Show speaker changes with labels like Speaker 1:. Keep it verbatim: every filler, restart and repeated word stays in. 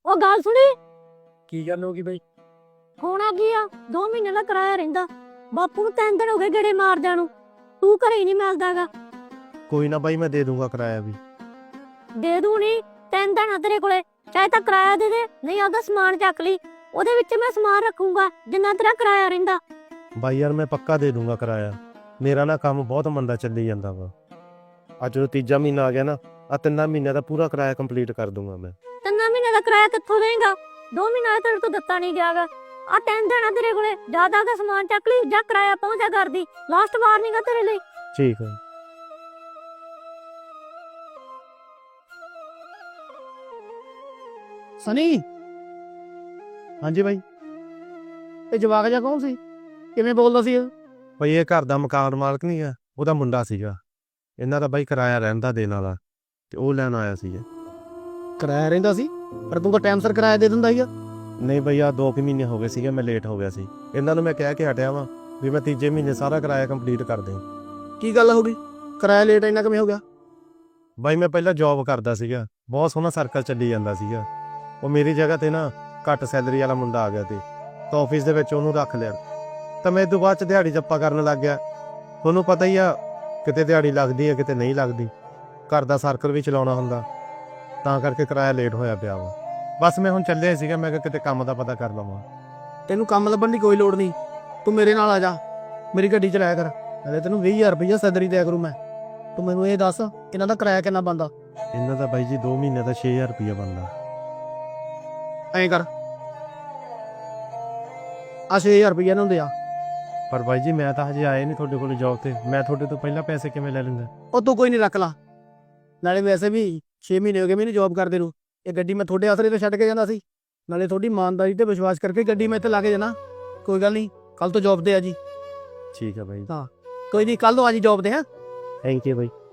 Speaker 1: ਉਹ ਗੱਲ ਸੁਣੀ।
Speaker 2: ਕੀ ਗੱਲ ਹੋ ਗਈ ਬਈ?
Speaker 1: ਹੋਣਾ ਕੀ ਆ, ਦੋ ਮਹੀਨੇ ਦਾ ਕਿਰਾਇਆ ਰਹਿੰਦਾ। ਬਾਪੂ ਨੂੰ ਤਿੰਨ ਦਿਨ ਹੋ ਗਏ ਗੇੜੇ ਮਾਰਦਿਆਂ ਨੂੰ, ਤੂੰ ਘਰੇ ਹੀ ਨਹੀਂ ਮਿਲਦਾਗਾ।
Speaker 2: ਕੋਈ ਨਾ ਬਾਈ, ਮੈਂ ਦੇ ਦੂੰਗਾ ਕਿਰਾਇਆ ਵੀ।
Speaker 1: ਦੇ ਦੂ ਨਹੀਂ, ਤਿੰਨ ਦਿਨ ਆ ਤੇਰੇ ਕੋਲੇ, ਚਾਹੇ ਤਾਂ ਕਿਰਾਇਆ ਦੇ ਦੇ, ਨਹੀਂ ਆਪਦਾ ਸਮਾਨ ਚੱਕ ਲਈ, ਉਹਦੇ ਵਿੱਚ ਮੈਂ ਸਮਾਨ ਰੱਖੂੰਗਾ ਜਿੰਨਾ ਤੇਰਾ ਕਿਰਾਇਆ ਰਹਿੰਦਾ।
Speaker 2: ਬਾਈ ਯਾਰ ਮੈਂ ਪੱਕਾ ਦੇ ਦੂੰਗਾ ਕਿਰਾਇਆ। ਮੇਰਾ ਨਾ ਕੰਮ ਬਹੁਤ ਮੰਦਾ ਚੱਲੀ ਜਾਂਦਾ ਵਾ। ਅੱਜ ਜਦੋਂ ਤੀਜਾ ਮਹੀਨਾ ਆ ਗਿਆ ਨਾ, ਆ ਤਿੰਨਾਂ ਮਹੀਨਿਆਂ ਦਾ ਪੂਰਾ ਕਿਰਾਇਆ ਕੰਪਲੀਟ ਕਰ ਦੂੰਗਾ ਮੈਂ।
Speaker 1: ਤਿੰਨਾਂ ਮਹੀਨੇ ਦਾ ਕਿਰਾਇਆ ਕਿੱਥੋਂ ਦੇਂਗਾ? ਦੋ ਮਹੀਨਾ ਤੇਰੇ ਤੋਂ ਦਿੱਤਾ ਨਹੀਂ ਗਿਆਗਾ। ਆ ਤਿੰਨ ਦਿਨ ਆ ਤੇਰੇ ਕੋਲੇ, ਜਿਆਦਾ ਦਾ ਸਮਾਨ ਚੱਕ ਲਈ ਜਾਂ ਕਿਰਾਇਆ ਪਹੁੰਚਾ ਕਰਦੀ। ਲਾਸਟ ਵਾਰਨਿੰਗ ਆ ਤੇਰੇ ਲਈ।
Speaker 2: ਠੀਕ ਹੈ।
Speaker 3: ਸਨੀ,
Speaker 2: ਹਾਂਜੀ ਬਾਈ।
Speaker 3: ਇਹ ਜਵਾਕ ਜਿਹਾ ਕੌਣ ਸੀ? ਕਿਵੇਂ ਬੋਲਦਾ ਸੀ ਇਹ?
Speaker 2: ਬਾਈ ਇਹ ਘਰ ਦਾ ਮਕਾਨ ਮਾਲਕ ਨਹੀਂ ਆ, ਉਹਦਾ ਮੁੰਡਾ ਸੀਗਾ। ਇਹਨਾਂ ਦਾ ਬਾਈ ਕਿਰਾਇਆ ਰਹਿੰਦਾ ਦੇਣ ਵਾਲਾ, ਤੇ ਉਹ ਲੈਣ ਆਇਆ ਸੀ।
Speaker 3: ਕਿਰਾਇਆ ਰਹਿੰਦਾ ਸੀ, ਪਰ ਤੂੰ ਤਾਂ ਟਾਈਮ ਸਿਰ ਕਿਰਾਇਆ ਦੇ ਦਿੰਦਾ ਸੀਗਾ।
Speaker 2: ਨਹੀਂ ਬਈ, ਆ ਦੋ ਕੁ ਮਹੀਨੇ ਹੋ ਗਏ ਸੀਗੇ, ਮੈਂ ਲੇਟ ਹੋ ਗਿਆ ਸੀ। ਇਹਨਾਂ ਨੂੰ ਮੈਂ ਕਹਿ ਕੇ ਹਟਿਆ ਵਾਂ ਵੀ ਮੈਂ ਤੀਜੇ ਮਹੀਨੇ ਸਾਰਾ ਕਿਰਾਇਆ ਕੰਪਲੀਟ ਕਰ ਦੇ।
Speaker 3: ਕੀ ਗੱਲ ਹੋ ਗਈ? ਕਿਰਾਇਆ ਲੇਟ ਇੰਨਾ ਕਿਵੇਂ ਹੋ ਗਿਆ?
Speaker 2: ਬਾਈ ਮੈਂ ਪਹਿਲਾਂ ਜੌਬ ਕਰਦਾ ਸੀਗਾ, ਬਹੁਤ ਸੋਹਣਾ ਸਰਕਲ ਚੱਲੀ ਜਾਂਦਾ ਸੀਗਾ। ਉਹ ਮੇਰੀ ਜਗ੍ਹਾ ਤੇ ਨਾ ਘੱਟ ਸੈਲਰੀ ਵਾਲਾ ਮੁੰਡਾ ਆ ਗਿਆ ਤੇ ਤਾਂ ਆਫਿਸ ਦੇ ਵਿੱਚ ਉਹਨੂੰ ਰੱਖ ਲਿਆ। ਤਾਂ ਮੈਂ ਇਹ ਤੋਂ ਬਾਅਦ ਚ ਦਿਹਾੜੀ ਜੱਪਾ ਕਰਨ ਲੱਗ ਗਿਆ। ਤੁਹਾਨੂੰ ਪਤਾ ਹੀ ਆ, ਕਿਤੇ ਦਿਹਾੜੀ ਲੱਗਦੀ ਹੈ ਕਿਤੇ ਨਹੀਂ ਲੱਗਦੀ, ਘਰ ਦਾ ਸਰਕਲ ਵੀ ਚਲਾਉਣਾ ਹੁੰਦਾ, ਤਾਂ ਕਰਕੇ ਕਿਰਾਇਆ ਲੇਟ ਹੋਇਆ ਪਿਆ ਵਾ। ਬਸ ਮੈਂ ਹੁਣ ਚੱਲਿਆ ਸੀਗਾ, ਮੈਂ ਕਿਹਾ ਕਿਤੇ ਕੰਮ ਦਾ ਪਤਾ ਕਰ ਲਵਾਂ।
Speaker 3: ਤੈਨੂੰ ਕੰਮ ਲੱਭਣ ਦੀ ਕੋਈ ਲੋੜ ਨਹੀਂ, ਤੂੰ ਮੇਰੇ ਨਾਲ ਆ ਜਾ, ਮੇਰੀ ਗੱਡੀ ਚਲਾਇਆ ਕਰ। ਨਾਲੇ ਤੈਨੂੰ ਵੀਹ ਹਜ਼ਾਰ ਰੁਪਈਆ ਸੈਲਰੀ ਦਿਆ ਕਰੂ ਮੈਂ। ਤੂੰ ਮੈਨੂੰ ਇਹ ਦੱਸ, ਇਹਨਾਂ ਦਾ ਕਿਰਾਇਆ ਕਿੰਨਾ ਬਣਦਾ?
Speaker 2: ਇਹਨਾਂ ਦਾ ਬਾਈ ਜੀ ਦੋ ਮਹੀਨੇ ਦਾ ਛੇ ਹਜ਼ਾਰ ਰੁਪਈਆ ਬਣਦਾ।
Speaker 3: ਐਂ ਕਰ, ਆ ਛੇ ਹਜ਼ਾਰ ਰੁਪਈਆ ਇਹਨਾਂ ਨੂੰ ਦੇ ਆ।
Speaker 2: ਪਰ ਬਾਈ ਜੀ ਮੈਂ ਤਾਂ ਹਜੇ ਆਇਆ ਨਹੀਂ ਤੁਹਾਡੇ ਕੋਲ ਜੌਬ ਤੇ, ਮੈਂ ਤੁਹਾਡੇ ਤੋਂ ਪਹਿਲਾਂ ਪੈਸੇ ਕਿਵੇਂ ਲੈ ਲੈਂਦਾ?
Speaker 3: ਉਹ ਤੂੰ ਕੋਈ ਨਹੀਂ, ਰੱਖ ਲਾ। ਨਾਲੇ ਵੈਸੇ ਵੀ ਛੇ ਮਹੀਨੇ ਹੋ ਗਏ ਮੈਨੂੰ ਜੌਬ ਕਰਦੇ ਨੂੰ। ਇਹ ਗੱਡੀ ਮੈਂ ਤੁਹਾਡੇ ਆਸਰੇ ਤੇ ਛੱਡ ਕੇ ਜਾਂਦਾ ਸੀ, ਨਾਲੇ ਤੁਹਾਡੀ ਇਮਾਨਦਾਰੀ ਤੇ ਵਿਸ਼ਵਾਸ ਕਰਕੇ ਗੱਡੀ ਮੈਂ ਇੱਥੇ ਲਾ ਕੇ ਜਾਣਾ। ਕੋਈ ਗੱਲ ਨਹੀਂ, ਕੱਲ ਤੋਂ ਜੌਬ ਤੇ ਆ ਜੀ।
Speaker 2: ਠੀਕ ਹੈ ਬਾਈ।
Speaker 3: ਕੋਈ ਨਹੀਂ, ਕੱਲ ਤੋਂ ਆ ਜੀ ਜੌਬ ਤੇ। ਹਾਂ,
Speaker 2: ਥੈਂਕ ਯੂ ਬਾਈ।